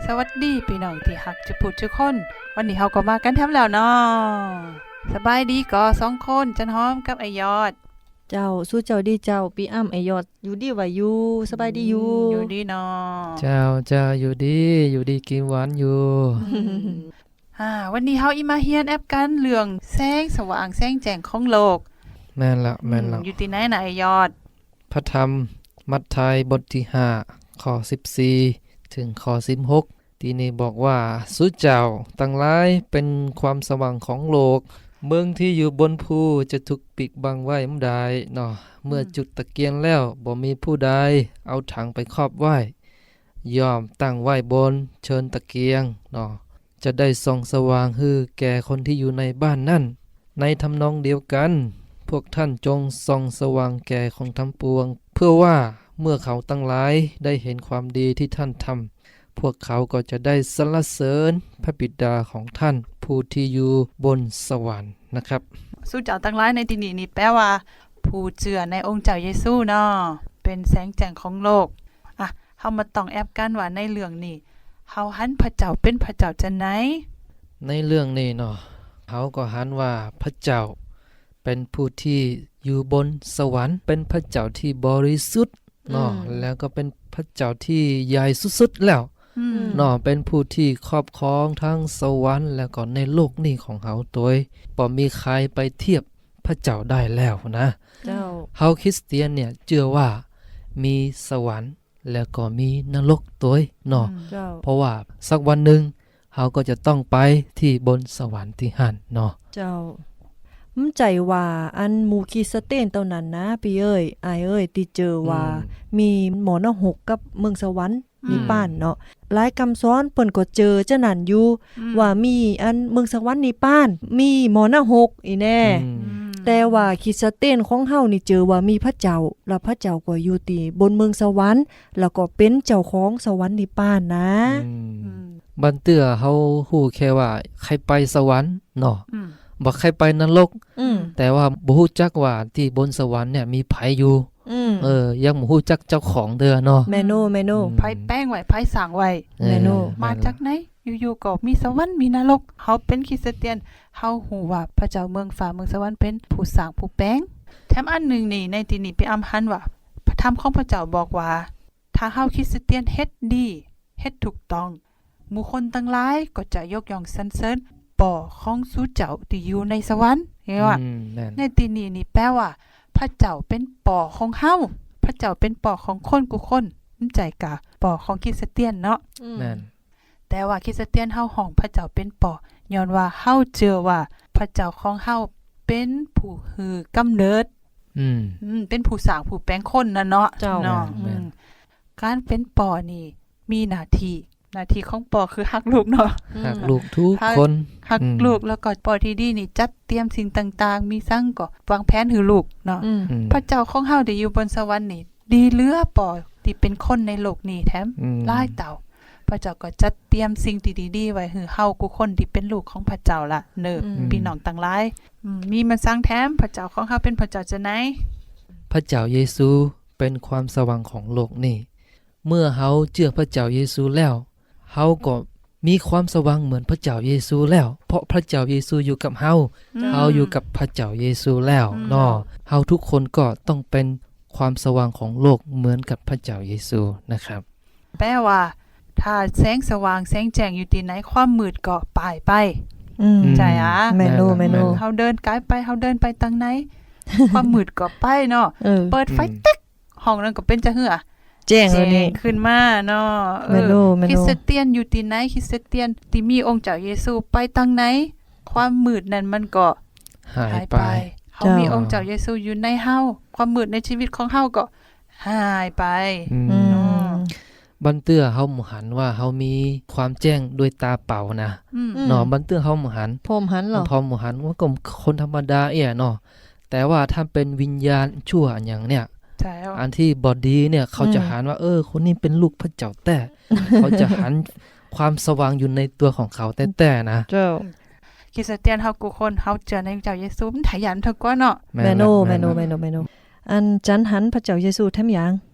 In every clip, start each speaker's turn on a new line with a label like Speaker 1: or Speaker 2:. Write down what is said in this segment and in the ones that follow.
Speaker 1: สวัสดีพี่น้องที่ฮักจะพูดทุกคนวันนี้เฮาก็มากันแถมแล้วเนาะสบายดีก็2คนจันหอมกับไอยอด
Speaker 2: เจ้าสู้เจ้าดีเจ้าปีอ้ำไอยอดอยู่ดีว่าอยู่สบายดีอยู่
Speaker 1: อยู่ดีเนาะ
Speaker 3: เจ้าอยู่ดีกินหวานอยู่
Speaker 1: วันนี้เฮาอีมาเฮียนแอปกันเรื่องแสงสว่างแสงแจ้งของโลก
Speaker 3: แม่นละ
Speaker 1: อยู่ที่ไหนน่ะไอยอด
Speaker 3: พระธรรมมัทธิวบทที่5ข้อ14ถึงข้อ16ที่นี่บอกว่าสุเจ้าตั้งหลายเป็นความสว่างของโลกเมืองที่อยู่บนภูจะถูกปิดบังไว้บ่ได้เนาะเมื่อจุดตะเกียงแล้วบ่มีผู้ใดเอาถังไปครอบไว้ย่อมตั้งไว้บนเชิญตะเกียงเนาะจะได้ส่องสว่างฮือแก่คนที่อยู่ในบ้านนั่นในทำนองเดียวกันพวกท่านจงส่องสว่างแก่ของทั้งปวงเพื่อว่าเมื่อเขาตั้งหลายได้เห็นความดีที่ท่านทำพวกเขาก็จะได้สรรเสริญพระบิดาของท่านผู้ที่อยู่บนสวรรค์นะครับ
Speaker 1: สู้เจ้าตั้งหลายในที่นี้นี่แปลว่าผู้เชื่อในองค์เจ้าเยซูเนาะเป็นแสงแจ้งของโลกเฮามาต้องแอบกันว่าในเรื่องนี้เฮาหันพระเจ้าเป็นพระเจ้าจังไหน
Speaker 3: ในเรื่องนี้เนาะเขาก็หันว่าพระเจ้าเป็นผู้ที่อยู่บนสวรรค์เป็นพระเจ้าที่บริสุทธิ์เนาะแล้วก็เป็นพระเจ้าที่ใหญ่สุดๆแล้วเนาะเป็นผู้ที่ครอบครองทั้งสวรรค์แล้วก็ในโลกนี้ของเขาตัวบ่มีใครไปเทียบพระเจ้าได้แล้วนะ
Speaker 2: เจ้า
Speaker 3: เฮาคริสเตียนเนี่ยเชื่อว่ามีสวรรค์แล้วก็มีนรกตัวเนาะเพราะว่าสักวันหนึ่งเขาก็จะต้องไปที่บนสวรรค์ที่หันเนาะ
Speaker 2: เจ้ามั่นใจว่าอันมูคีสเตนเท่านั้นนะพี่เอ้ยอายเอ้ยที่เจอว่ามีหมอนหกกับเมืองสวรรค์มีป้านเนาะหลายคำสอนเปิ้นก็เจอเจ้านั่นอยู่ว่ามีอันเมืองสวรรค์นี่ป้านมีหมอนหกอีแน่แต่ว่าคริสเตียนของเฮานี่เจอว่ามีพระเจ้าแล้วพระเจ้าก็อยู่ที่บนเมืองสวรรค์แล้วก็เป็นเจ้าของสวรรค์นิพพานนะ
Speaker 3: บันเตื้อเฮาฮู้แค่ว่าใครไปสวรรค์เนาะบ่ใครไปนรกแต่ว่าบ่ฮู้จักว่าที่บนสวรรค์เนี่ยมีไผอยู่ยังบ่ฮู้จักเจ้าของเด้อเนาะ
Speaker 2: แม่โน
Speaker 1: ไผแป้งไว้ไผสร้างไว้
Speaker 2: แม่โน
Speaker 1: มาจากไหนอยู่ๆก็มีสวรรค์มีนรกเฮาเป็นคริสเตียนเฮาฮู้ว่าพระเจ้าเมืองฟ้าเมืองสวรรค์เป็นผู้สร้างผู้แปลงแถมอันนึงนี่ในที่นี้ไปอำหันว่าพระธรรมของพระเจ้าบอกว่าถ้าเฮาคริสเตียนเฮ็ดดีเฮ็ดถูกต้องหมู่คนทั้งหลายก็จะยกย่องสรรเสริญปอของสู่เจ้าที่อยู่ในสวรรค์เห็นว่าในที่นี้นี่แปลว่าพระเจ้าเป็นปอของเฮาพระเจ้าเป็นปอของคนกุคนน้ำใจกะปอของคริสเตียนเนาะแต่ว่าคริสเตียนเฮาห้องพระเจ้าเป็นปอย้อนว่าเฮาเจอว่าพระเจ้าของเฮาเป็นผู้ฮือกำเนิดเป็นผู้สร้างผู้แปลงคนน่ะเนาะเนาะการเป็นปอนี่มีหน้าที่ของปอคือฮักลูกเนาะ
Speaker 3: ฮักลูกทุกคน
Speaker 1: ฮักลูกแล้วก็ปอที่ดีนี่จัดเตรียมสิ่งต่างๆมีสั่งก็วางแผนให้ลูกเนาะพระเจ้าของเฮาได้อยู่บนสวรรค์นี่ดีเหลือปอที่เป็นคนในโลกนี้แถมหลายเต่าพระเจ้าก็จัดเตรียมสิ่งที่ดีๆไว้ให้เฮากุคนที่เป็นลูกของพระเจ้าล่ะเด้อพี่น้องทั้งหลายมีมันสร้างแถมพระเจ้าของเฮาเป็นพระเจ้าจะไหน
Speaker 3: พระเจ้าเยซูเป็นความสว่างของโลกนี้เมื่อเฮาเชื่อพระเจ้าเยซูแล้วเฮาก็มีความสว่างเหมือนพระเจ้าเยซูแล้วเพราะพระเจ้าเยซูอยู่กับเฮาอยู่กับพระเจ้าเยซูแล้วเนาะเฮาทุกคนก็ต้องเป็นความสว่างของโลกเหมือนกับพระเจ้าเยซูนะครับ
Speaker 1: แปลว่าถ้าแสงสว่างแสงแจ้งอยู่ที่ไหนความมืดก็ปายไปใช่
Speaker 2: แม่โน
Speaker 1: เฮาเดินไกลไปเฮาเดินไปทางไหนความมืดก็ไปเนาะเปิดไฟติ๊กห้องนั้นก็เป็นจะเหือ
Speaker 2: แจ้งแล้วนี่
Speaker 1: ขึ้นมาเนาะคริสเตียนอยู่ที่ไหนคริสเตียนที่มีองค์เจ้าเยซูไปทางไหนความมืดนั้นมันก็
Speaker 3: หายไป
Speaker 1: เฮามีองค์เจ้าเยซูอยู่ในเฮาความมืดในชีวิตของเฮาก็หายไป
Speaker 3: บันเตื้อเฮาหมู่หันว่าเฮามีความแจ้งด้วยตาเปล่านะเนาะบันเตื้อเฮาหมู่หัน
Speaker 2: พร้อมหันเหรอ
Speaker 3: พร้อมหมู่หันว่าก็คนธรรมดาเนาะแต่ว่าถ้าเป็นวิญญาณชั่วอย่างเนี่ยอันที่บอดีเนี่ยเขาจะหันว่าคนนี้เป็นลูกพระเจ้าแต่ เขาจะหันความสว่างอยู่ในตัวของเขาแต่นะ
Speaker 2: เจ้า
Speaker 1: คริสเตียนเฮากุคนเฮาเจอในเจ้าเยซูมันขยันเท่ากว่าเนาะ
Speaker 2: แม่โนอันจันหันพระเจ้าเยซูแท้มหยัง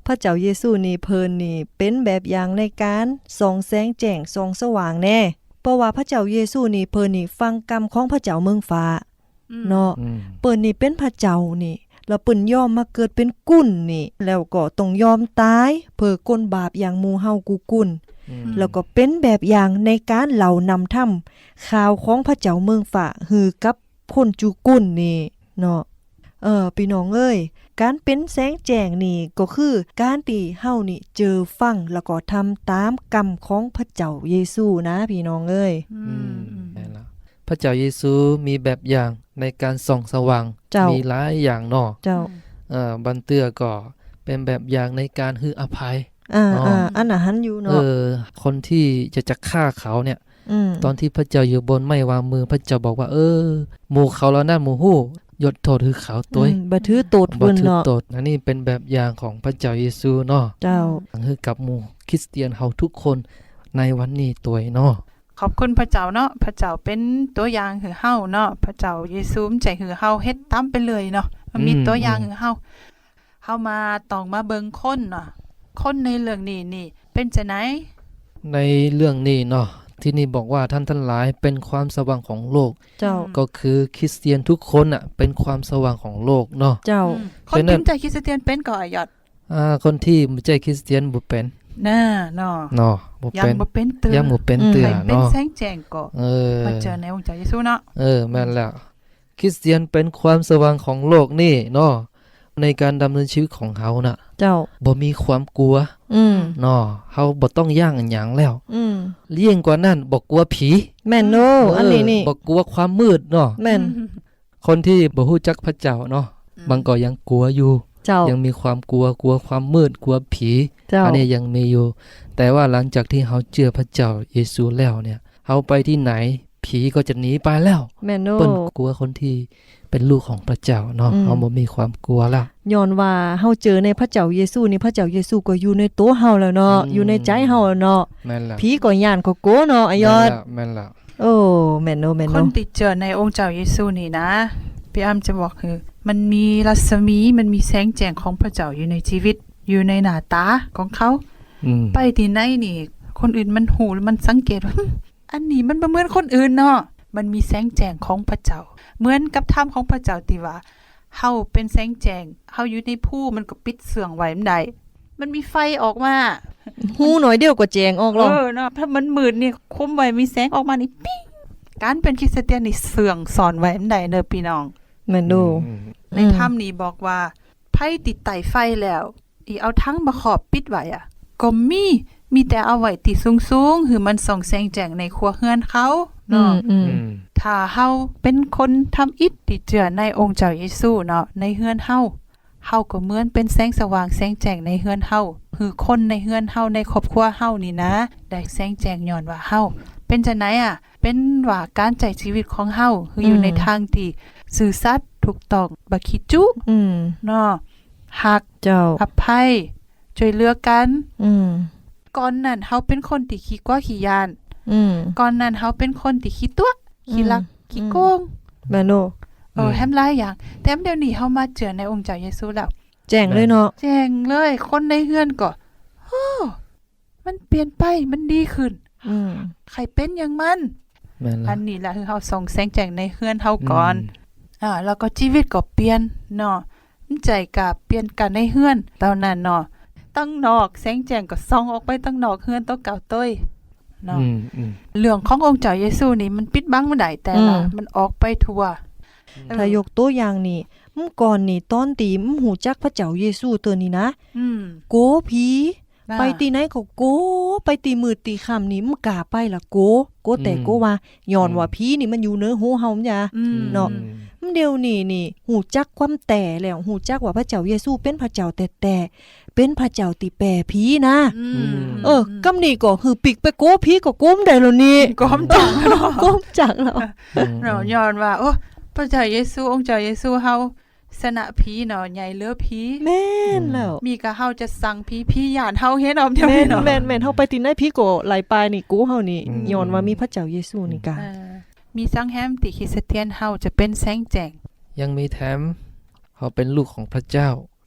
Speaker 2: พระเจ้าเยซูนี่เพิ่นนี่เป็นแบบอย่างในการส่องแสงแจ้งส่องสว่างแน่เพราะว่าพระเจ้าเยซูนี่เพิ่นนี่ฟังกรรมของพระเจ้าเมืองฟ้าเนาะ
Speaker 3: อืม
Speaker 2: เปิ้นนี่เป็นพระเจ้านี่แล้วเปิ้นยอมมาเกิดเป็นกุ่นนี่แล้วก็ต้องยอมตายเพื่อก้นบาปอย่างหมู่เฮากูกุ่น แล้วก็เป็นแบบอย่างในการเหล่านำถ้ำข่าวของพระเจ้าเมืองฝ่าหือกับคนจูกุ่นนี่เนาะพี่น้องเอ้ยการเป็นแสงแจ้งนี่ก็คือการที่เฮานี่เจอฟังแล้วก็ทำตามกรรมของพระเจ้าเยซูนะพี่น้องเอ้ย
Speaker 3: ได้แล้วพระเจ้าเยซูมีแบบอย่างในการส่องสว่าง
Speaker 2: เจ้ามี
Speaker 3: มีหลายอย่างเนาะ
Speaker 2: เจ้า
Speaker 3: บันเตือก็เป็นแบบอย่างในการให้อภัย
Speaker 2: อันน่ะหันอยู่เนาะ
Speaker 3: คนที่จะฆ่าเขาเนี่ย
Speaker 2: ม
Speaker 3: ตอนที่พระเจ้าอยู่บนไม้วางมือพระเจ้าบอกว่าหมู่เขาแล้วนะหมู่ฮู้ยดโทษคือเขาตัว
Speaker 2: บ่ถือโตด
Speaker 3: บ่
Speaker 2: เพิ่น
Speaker 3: ถือ
Speaker 2: เนาะ
Speaker 3: โทษอันนี้เป็นแบบอย่างของพระเจ้าเยซูเนาะ
Speaker 2: เจ้า
Speaker 3: คือกับหมู่คริสเตียนเฮาทุกคนในวันนี้ตัวเนาะ
Speaker 1: ขอบคุณพระเจ้าเนาะพระเจ้าเป็นตัวอย่างให้เฮาเนาะพระเจ้าเยซูใจให้เฮาเฮ็ดตามไปเลยเนาะมันมีตัวอย่างให้เฮามาต้องมาเบิ่งคนเนาะคนในเรื่องนี้นี่เป็นจังได๋
Speaker 3: ในเรื่องนี้เนาะที่นี่บอกว่าท่านทั้งหลายเป็นความสว่างของโลก
Speaker 2: เจ้า
Speaker 3: ก็คือคริสเตียนทุกคนน่ะเป็นความสว่างของโลกเนาะ
Speaker 2: เจ้า
Speaker 1: คนที่ใจคริสเตียนเป็นก็อยอด
Speaker 3: คนที่บ่ใช่คริสเตียนบ่เป็น
Speaker 1: น่าเนาะ
Speaker 3: เนาะบ่
Speaker 1: ยัง
Speaker 3: เป็น
Speaker 1: บ่เป็นเตือ
Speaker 3: ยังบ่เป็นเตือ
Speaker 1: ให้เป็น
Speaker 3: เนาะ
Speaker 1: แสงแจ้งก็
Speaker 3: เออ
Speaker 1: มาเจอในองค์เจ้าเยซูเนาะ
Speaker 3: แม่นแล้วคริสเตียนเป็นความสว่างของโลกนี่เนาะในการดำเนินชีวิตของเขาน่ะ
Speaker 2: เจ้า
Speaker 3: บ่มีความกลัว เนาะเฮาบ่ต้องย่างอันหยังแล้วเลี่ยงกว่านั้นบ่กลัวผี
Speaker 2: แม่นโนอันนี้นี่
Speaker 3: บ่กลัวความมืดเนาะ
Speaker 2: แม่น
Speaker 3: คนที่บ่ฮู้จักพระเจ้าเนาะบางก็ยังกลัวอยู่
Speaker 2: เจ้า
Speaker 3: ยังมีความกลัวความมืดกลัวผี
Speaker 2: เจ้า
Speaker 3: อันนี้ยังมีอยู่ แต่ว่าหลังจากที่เฮาเชื่อพระเจ้าเยซูแล้วเนี่ยเฮาไปที่ไหนผีก็จะหนีไปแล้ว
Speaker 2: แม่นโน
Speaker 3: เปิ้นกลัวคนที่เป็นลูกของพระเจ้าเนาะเฮาบ่มีความกลัวแล้ว
Speaker 2: ย้อนว่าเฮาเจอในพระเจ้าเยซูนี่พระเจ้าเยซูก็อยู่ในตัวเฮาแล้วเนาะอยู่ในใจเฮาแล้วเนาะ
Speaker 3: แม่นแล้ว
Speaker 2: ผีก็ย่านก็กลัวเนาะอายอด
Speaker 3: แม่นแล้ว
Speaker 2: โอ้แม่นโนแม่น
Speaker 1: ค
Speaker 2: โน
Speaker 1: นที่เจอในองค์เจ้าเยซูนี่นะพี่อ้ำจะบอกคือมันมีรัศมีมันมีแสงแจ้งของพระเจ้าอยู่ในชีวิตอยู่ในหน้าตาของเขา ไปที่ไหนนี่ คนอื่นมันหูมันสังเกตว่า อันนี้มันบ่เหมือนคนอื่นเนาะมันมีแสงแจ้งของพระเจ้าเหมือนกับธรรมของพระเจ้าที่ว่าเฮาเป็นแสงแจ้งเฮาอยู่ในภูมันก็ปิดเสื่องไว้มันได้มันมีไฟออกมา
Speaker 2: หูหน่อยเดียวก็แจงออกหรอก
Speaker 1: เนาะถ้ามันมืดนี่คุมไว้มีแสงออกมานี่ปิ้งการเป็นคริสเตียนนี่เสื่องสอนไว้มันได้เด้อพี่น้อง
Speaker 2: แม่นโน
Speaker 1: ในถ้ำนี้บอกว่าไผติดไตไฟแล้วอีเอาทั้งมาขอบปิดไว้อ่ะก็มีแต่เอาไว้ติสูงๆคือมันส่องแสงแจ้งในครัวเฮือนเขาเนาะถ้าเฮาเป็นคนทำอิฐที่เจือในองค์เจ้าเยซูเนาะในเฮือนเฮาก็เหมือนเป็นแสงสว่างแสงแจ้งในเฮือนเฮาคือคนในเฮือนเฮาในครอบครัวเฮานี่นะได้แสงแจ้งย้อนว่าเฮาเป็นจังได๋อ่ะเป็นว่าการใช้ชีวิตของเฮาคืออยู่ในทางที่ซื่อสัตย์ถูกต้องบ่ขี้จุเนาะฮัก
Speaker 2: เจ้า
Speaker 1: อภัยช่วยเหลือกัน ก่อนนั้นเฮาเป็นคนที่ขี้กลัวขี้ยานก่อนนั้นเฮาเป็นคนที่ขี้ตัวขี้ลักขี้โกง
Speaker 2: แม่นโน
Speaker 1: แฮมหลายอย่างแต่เดี๋ยวนี้เฮามาเจอในองค์เจ้าเยซูแล้ว
Speaker 2: แจ้งเลยเนาะ
Speaker 1: แจ้งเลยคนในเฮือนก็โอ้มันเปลี่ยนไปมันดีขึ้นใครเป็นอย่างมัน
Speaker 3: แม่นแล้ว
Speaker 1: อันนี้ล่ะคือเฮาส่องแสงแจ้งในเฮือนเฮาก่อนแล้วก็ชีวิตก็เปลี่ยนเนาะใจก็เปลี่ยนกันในเฮือนตอนนั้นเนาะตั้งนอกแสงแจ้งก็ส่องออกไปตั้งนอกเฮือนตัวเก่าต้ยเนาะเรื่องขององค์เจ้าเยซูนี่มันปิดบังบ่ได้แต่ละมันออกไปทั่ว
Speaker 2: ถ้ายกตัวอย่างนี่ก่อนนี่ตอนตีหูจักพระเจ้าเยซูตัวนี้นะโกผีไปตีไหนก็โกไปตีมืดตีค่ำนี่กล้าไปล่ะโกแต่โกว่าย้อนว่าผีนี่มันอยู่เหนือหูเฮาจ้ะเนาะเดี๋ยวนี้นี่หูจักความแต่แล้วหูจักว่าพระเจ้าเยซูเป็นพระเจ้าแต่เป็นพระเจ้าที่แปรผีนะกำนี่ก็คือปิกไปโกผีก็โกมได้แล้วนี่
Speaker 1: ก้มจังเนาะ
Speaker 2: โกมจักแล้ว
Speaker 1: เราย้อนว่าโอ้พระเจ้าเยซูองค์เจ้าเยซูเฮาสนะผีเนาะใหญ่เหลือผี
Speaker 2: แม่นแล้ว
Speaker 1: มีก็เฮาจะสั่งผีย่านเฮาเฮ็ดเอาเดี๋ยว
Speaker 2: แม่
Speaker 1: นี้
Speaker 2: น
Speaker 1: เนาะ
Speaker 2: แม่นเฮาไปติไหนผีก็ไหลไปนี่กูเฮานี่ย้อนว่ามีพระเจ้าเยซูนี่กะ
Speaker 1: มีสังแฮมติคริสเตียนเฮาจะเป็นแสงแจ้ง
Speaker 3: ยังมีแถมเขาเป็นลูกของพระเจ้า เ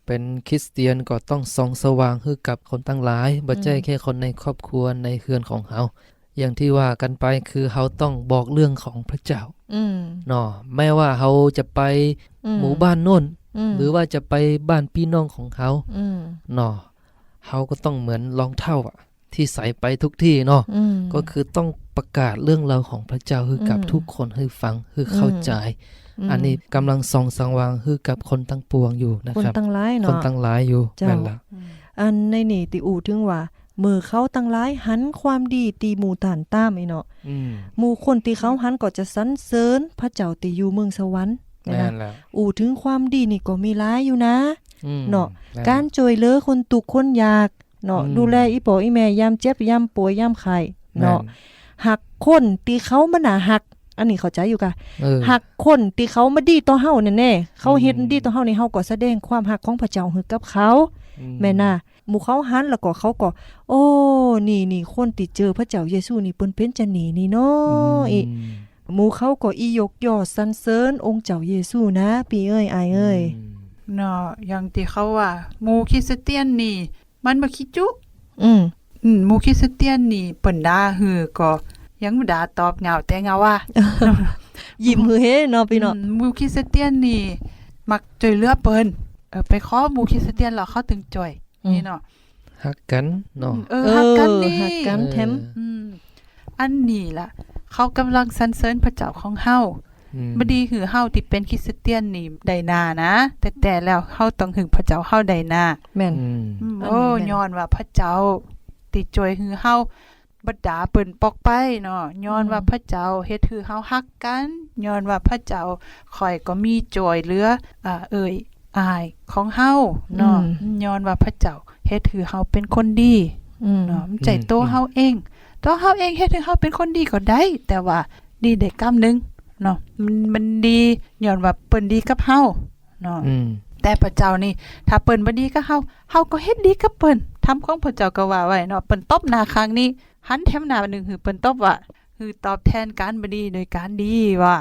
Speaker 3: เป็นคริสเตียนก็ต้องส่องสว่างให้กับคนทั้งหลายบ่ใช่แค่คนในครอบครัวในเฮือนของเฮาอย่างที่ว่ากันไปคือเฮาต้องบอกเรื่องของพระเจ้าเนาะแม้ว่าเฮาจะไปหมู่บ้านโน่นหรือว่าจะไปบ้านพี่น้องของเขาเนาะเฮาก็ต้องเหมือนรองเท้าที่ใส่ไปทุกที่เนาะก็คือต้องประกาศเรื่องราวของพระเจ้าให้กับทุกคนให้ฟังให้เข้าใจอันนี้กำลังส่องสว่างให้กับคนทั้งปวงอยู่นะครับ
Speaker 2: คนทั้งหลายเนาะ
Speaker 3: คนทั้งหลายอยู่นั่นล่ะ
Speaker 2: อันในนี่ติอูถึงว่ามือเขาตั้งหลายหันความดีตีหมู่ฐานตามไอ้เนาะหมู่คนที่เขาหันก็จะสรรเสริญพระเจ้าที่อยู่เมืองสวรรค์นะอูถึงความดีนี่ก็มีหลายอยู่นะเนาะการช่วยเหลือคนทุกข์คนยากเนาะดูแลอีพ่ออีแม่ยามเจ็บยามป่วยยามไข้เนาะหักคนที่เขามาน่าหักอันนี้เข้าใจอยู่กะหักคนที่เขามาดีต่อเฮาแน่ๆเขาเฮ็ดดีต่อเฮานี่เฮาก็แสดงความหักของพระเจ้าให้กับเขาแม่น่ะหมู่เขาหันแล้วก็เขาก็โอ้นี่คนที่เจอพระเจ้าเยซูนี่เปิ้นเป็นจังนี่เนาะอีหมู่เขาก็อียกยอสรรเสริญองค์เจ้าเยซูนะพี่เอ้ยอายเอ้ย
Speaker 1: เนาะอย่างที่เขาว่าหมู่คริสเตียนนี่มันบ่คิดจุหมู่คริสเตียนนี่เปิ้นด่าฮือก็ยังบ่ด่าตอบเหงาแต่เหงาว่า
Speaker 2: ยิ้มฮือเฮเนาะพี่เนาะ
Speaker 1: หมู่คริสเตียนนี่มักช่วยเหลือเปิ้นไปขอหมู่คริสเตียนแล้วเขาถึงจ่อยนี่เนาะ
Speaker 3: ฮักกันเนาะ
Speaker 1: ฮักกันนี่
Speaker 2: ฮักกันแถม
Speaker 1: อันนี้ล่ะเขากำลังสรรเสริญพระเจ้าของเฮาบ่ดีหือเฮาที่เป็นคริสเตียนนี่ได้หน้านะแต่แล้วเฮาต้องหึงพระเจ้าเฮาได้หน้า
Speaker 2: แม่น
Speaker 1: โอ้ย้อนว่าพระเจ้าติช่วยหือเฮาบ่ด่าเปิ้นปอกไปเนาะย้อนว่าพระเจ้าเฮ็ดให้เฮาฮักกันย้อนว่าพระเจ้าข่อยก็มีจอยเหลืออายของเฮาเนาะย้อนว่าพระเจ้าเฮ็ดให้เฮาเป็นคนดีเนาะใจโตเฮาเองตัวเฮาเองเฮ็ดให้เฮาเป็นคนดีก็ได้แต่ว่าดีได้กำนึงเนาะมันดีย้อนว่าเปิ้นดีกับเฮาเนาะแต่พระเจ้านี่ถ้าเปิ้นบ่ดีกับเฮาก็เฮ็ดดีกับเปิ้นทำของพระเจ้าก็ว่าไว้เนาะเปิ้นตบหน้าครั้งนี้หันแถมหน้านึงคือเปิ้นตบว่าคือตอบแทนการบ่ดีโดยการดีว่า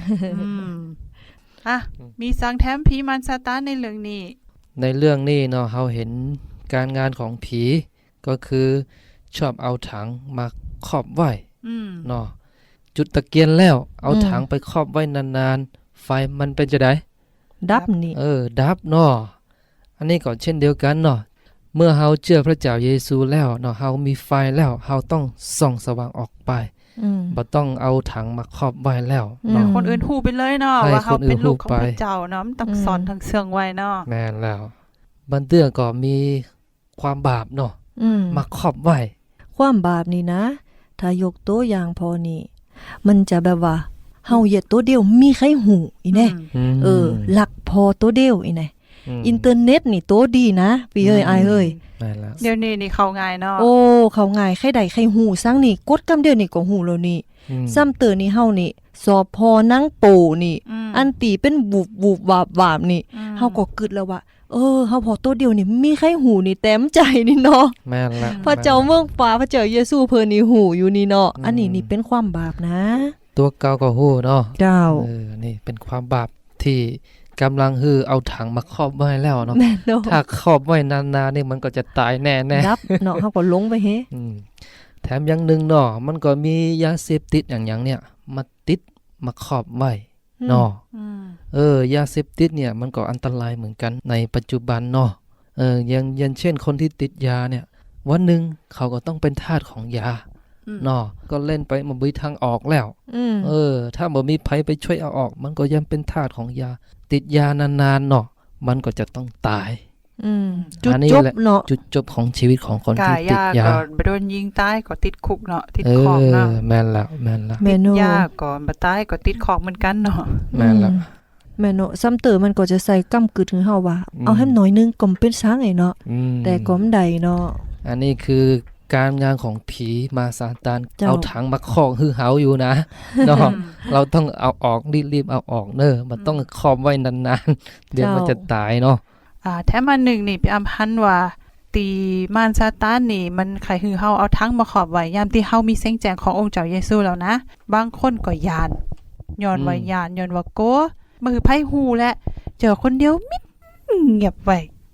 Speaker 1: มีสังแถมผีมารซาตานในเรื่องนี้
Speaker 3: เนาะเฮาเห็นการงานของผีก็คือชอบเอาถังมาครอบไว้เนาะจุดตะเกียงแล้วเอาถังไปครอบไว้นานๆไฟมันเป็นจะได้
Speaker 2: ดับนี่
Speaker 3: ดับเนาะอันนี้ก็เช่นเดียวกันเนาะเมื่อเฮาเชื่อพระเจ้าเยซูแล้วเนาะเฮามีไฟแล้วเฮาต้องส่องสว่างออกไปบ่ต้องเอาถังมาครอบไว้แล้ว
Speaker 1: เนาะคนอื่นฮู้ไปเลยเนาะว่าเฮาเป็นลูกของพระเจ้าเนาะมันต้องสอนทั้งเสื่องไว้เนาะ
Speaker 3: แม่นแล้วบันเตื้อก็มีความบาปเนาะมาครอบไว้
Speaker 2: ความบาปนี่นะถ้ายกตัวอย่างพอนี่มันจะแบบว่าเฮาเหยียดตัวเดียวมีใครหูอีแน่หลักพอตัวเดียวอีแน่อินเทอร์เน็ตนี่ตัวดีนะพี่เอ้ยอายเอ้ย
Speaker 1: เดี๋ยวนี้นี่เข้าง่ายเนาะ
Speaker 2: โอ้เข้าง่ายใครใดใครหูซังนี่กดกำเดียวนี่ก็หูแล้วนี่ซ้ำเตือนี่เฮานี่สอบพอนังโปนี่อันตีเป็นบุบวาบนี่เฮาก็กึดแล้วว่าเฮาพอตัวเดียวนี่มีใครหูนี่เต็มใจนี่เนาะ
Speaker 3: แม่นละ
Speaker 2: พระเจ้าเมืองฟ้าพระเจ้าเยซูเพิ่นนี่หูอยู่นี่เนาะอันนี้นี่เป็นความบาปนะ
Speaker 3: ตัวเก่าก็ฮู้เนาะ
Speaker 2: เจ้า
Speaker 3: นี่เป็นความบาปที่กำลังเอาถังมาครอบไว้แล้วเนาะถ้าครอบไว้นานๆนี่มันก็จะตายแน่ๆ
Speaker 2: ดับเนาะเฮาก็ลงไปเฮ
Speaker 3: แถมอย่างนึงเนาะมันก็มียาเสพติดอย่างเนี่ยมาติดมาครอบไว้เนาะยาเสพติดเนี่ยมันก็อันตรายเหมือนกันในปัจจุบันเนาะอย่างเช่นคนที่ติดยาเนี่ยวันนึงเขาก็ต้องเป็นทาสของยาเนาะก็เล่นไปมันบ่มีทางออกแล้วถ้าบ่มีไผไปช่วยเอาออกมันก็ยังเป็นทาสของยาติดยานานๆเนาะมันก็จะต้องตาย
Speaker 2: จุดจบเนาะ
Speaker 3: จุดจบของชีวิตของคนที่ติดยา
Speaker 1: ก็โดนยิงตายก็ติดคุกเนาะติดคอกเนาะ
Speaker 3: แม่นแล้ว
Speaker 1: ติดยาก็บ่ตายก็ติดคอกเหมือนกันเนาะ
Speaker 3: แม่นแล้ว
Speaker 2: แม่เนาะซ้ำเตอมันก็จะใส่กำกึดถึงเฮาว่าเอาให้หน่อยนึงก็เป็นช้างไอ้เนาะแต่ก็บ่ได้เนาะ
Speaker 3: อันนี้คือการงานของผีมาซาตานเอาถังมาครอบหือเฮาอยู่นะเนาะเราต้องเอาออกรีบๆเอาออกมันต้องครอบไว้นานๆเดี๋ยวมันจะตายเนาะ
Speaker 1: แถมอันนึงนี่พี่อำพันว่าตีมารซาตานนี่มันใครหือเฮาเอาถังมาครอบไว้ยามที่เฮามีแสงแจ้งขององค์เจ้าเยซูแล้วนะบางคนก็ย้านย้อนว่าย้อนว่าโกมือไผฮู้และเจอคนเดียวมิดเงียบไว้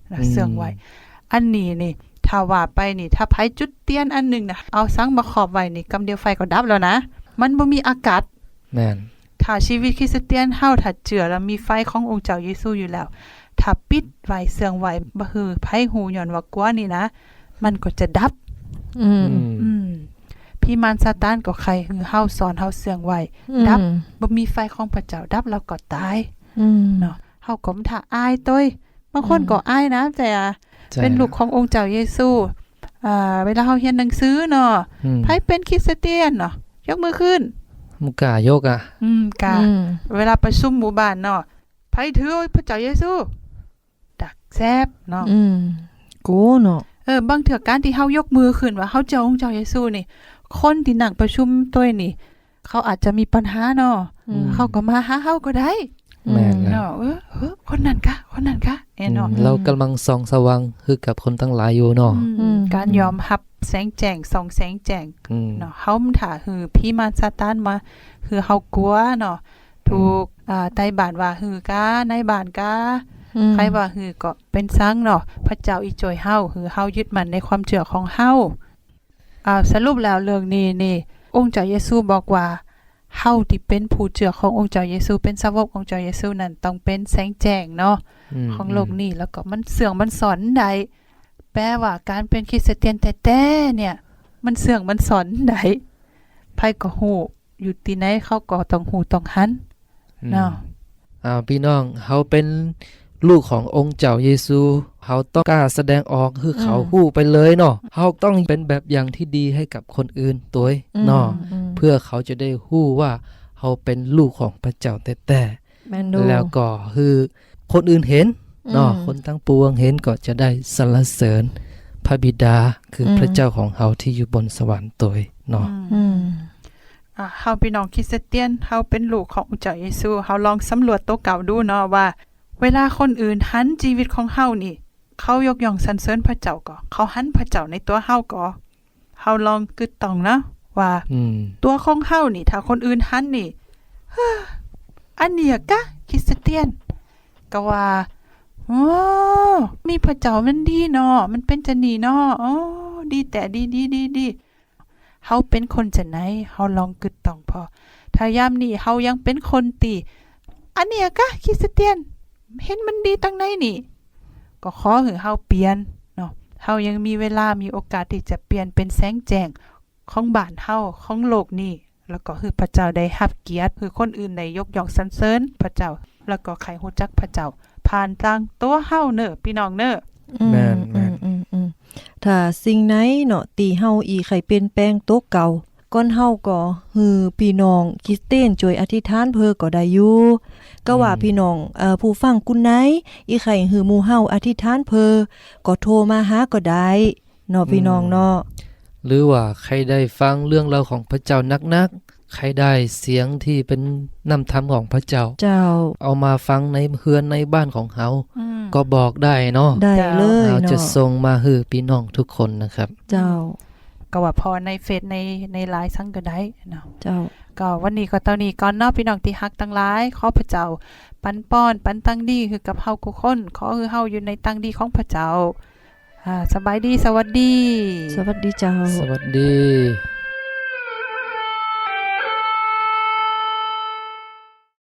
Speaker 1: นะเสื่องไว้อันนี้นี่ถ้าว่าไปนี่ถ้าไผจุดเตียนอันหนึงนะเอาสังมาขอบไว้นี่กำเดียวไฟก็ดับแล้วนะมันบ่มีอากาศ
Speaker 3: แม่น
Speaker 1: ถ้าชีวิตคริสเตียนเฮาถ้าเจือแล้วมีไฟขององค์เจ้าเยซูอยู่แล้วถ้าปิดไว้เสื่องไว้บ่ฮือไผหูย้อนว่ากลัวนี่นะมันก็จะดับ
Speaker 2: อืม
Speaker 1: อืมพี่มารซาตานก็ใครหือเฮาสอนเฮาเสื่องไว้ดับบ่มีไฟของพระเจ้าดับแล้วก็ตาย
Speaker 2: อืม
Speaker 1: เนาะเฮาก็บ่ท่าอายต้ยบางคนก็อายนะแต่
Speaker 3: ใช่
Speaker 1: เป็นลูกขององค์เจ้าเยซูเวลาเฮาเรียนหนังสือเนาะ
Speaker 3: อืม
Speaker 1: ไผเป็นคริสเตียนเนาะยกมือขึ้น
Speaker 3: มุกล้ายกอ่ะ
Speaker 1: กา เวลาประชุมหมู่บ้านเนาะไผถือพระเจ้าเยซูดักแซบเนาะ
Speaker 2: อืมกูเนาะ
Speaker 1: บางเถื่อการที่เฮายกมือขึ้นว่าเฮาเจ้าองค์เจ้าเยซูนี่คนที่นั่งประชุมตัวนี่ เขาอาจจะมีปัญหาเนาะเขาก็มาหาเฮาก็ได้
Speaker 3: แม่นแล้ว
Speaker 1: เนาะคนนั้นกะเนาะ
Speaker 3: เรากำลังส่องสว่างคือกับคนทั้งหลายอยู่เนาะ
Speaker 1: การยอมรับแสงแจ้งส่องแสงแจ้ง
Speaker 3: อืม
Speaker 1: เนาะเฮาถ้าหือพี่มารซาตานมาคือเฮากลัวเนาะถูกใต้บ้านว่าหือกาในบ้านกาใครว่าหือก็เป็นซังเนาะพระเจ้าอีจอยเฮาหือเฮายึดมั่นในความเชื่อของเฮาสรุปแล้วเรื่องนี้นี่องค์เจ้าเยซูบอกว่าเฮาที่เป็นผู้เชื่อขององค์เจ้าเยซูเป็นสาวกของเจ้าเยซูนั้นต้องเป็นแสงแจ้งเนาะ
Speaker 3: ม
Speaker 1: ของโลกนี้แล้วก็มันเสื่องมันสอนใดแปลว่าการเป็นคริสเตียนแต่เนี่ยมันเสื่องมันสอนใดไผก็ฮู้อยู่ที่ไหนเขาก็ต้องฮู้ต้องหัน เนาะ
Speaker 3: พี่น้องเฮาเป็นลูกขององค์เจ้าเยซูเฮาต้องกล้าแสดงออกคือเขาฮู้ไปเลยเนาะเฮาต้องเป็นแบบอย่างที่ดีให้กับคนอื่นตัวเนาะเพื่อเขาจะได้ฮู้ว่าเฮาเป็นลูกของพระเจ้าแต่
Speaker 2: แม่นดู
Speaker 3: แล้วก็คือคนอื่นเห็นเนาะคนทั้งปวงเห็นก็จะได้สรรเสริญพระบิดาคือพระเจ้าของเฮาที่อยู่บนสวรรค์ตัวเนาะ
Speaker 2: อืม
Speaker 1: เฮาพี่น้องคริสเตียนเฮาเป็นลูกขององค์เจ้าเยซูเฮาลองสำรวจตัวเก่าดูเนาะว่า เวลาคนอื่นหันชีวิตของเฮานี่ เขายกย่องสรรเสริญพระเจ้าก็เขาหันพระเจ้าในตัวเฮาก็เฮาลองกึดต้องนะว่า
Speaker 3: อืม
Speaker 1: ตัวของเฮานี่ถ้าคนอื่นหันนี่ อันเนี้ยกะคริสเตียนก็ว่าโอ้มีพระเจ้ามันดีเนาะมันเป็นจะนี่เนาะอ๋อดีแต่ดีเฮาเป็นคนจะไหนเฮาลองกึดต้องพอถ้ายามนี้เฮายังเป็นคนตีอันเนี้ยกะคริสเตียนเห็นมันดีตั้งไหนนี่ ก็ขอให้เฮาเปลี่ยนเนาะเฮายังมีเวลามีโอกาสที่จะเปลี่ยนเป็นแสงแจ้งของบ้านเฮาของโลกนี้แล้วก็คือพระเจ้าได้รับเกียรติคือคนอื่นได้ยกย่องสรรเสริญพระเจ้าแล้วก็ใครรู้จักพระเจ้าผ่านทางตัวเฮาเน้อพี่น้องเน้อ
Speaker 3: แม่น
Speaker 2: ถ้าสิ่งไหนเนาะตีเฮาอีไข่เปลี่ยนแปลงโตะเก่าก่อนเฮาก็ฮือพี่น้องคริสเตียนช่วยอธิษฐานเพื่อก็ได้อยู่ก็ว่าพี่น้องผู้ฟังกุนไหนอีไข่ฮือหมู่เฮาอธิษฐานเพื่อก็โทรมาหาก็ได้เนาะพี่น้องเนาะ
Speaker 3: หรือว่าใครได้ฟังเรื่องราวของพระเจ้านักๆใครได้เสียงที่เป็นนำธรรมของพระเจ้า
Speaker 2: เจ้า
Speaker 3: เอามาฟังในเฮือนในบ้านของเฮาก็บอกได้เนาะ
Speaker 2: ได้เลย
Speaker 3: เราจะ
Speaker 2: เนาะ
Speaker 3: ส่งมาให้พี่น้องทุกคนนะครับ
Speaker 2: เจ้า
Speaker 1: ก็ว่าพอในเฟซในไลน์สั่งก็ได้เนาะ
Speaker 2: เจ้า
Speaker 1: ก็วันนี้ก็เท่านี้ก่อนเนาะพี่น้องที่ฮักทั้งหลายขอพระเจ้าปันป้อนปันตั้งดีคือกับเฮาทุกคนขอคือเฮาอยู่ในตั้งดีของพระเจ้าสบายดีสวัสดี
Speaker 2: สวัสดีเจ้า
Speaker 3: สวัสดี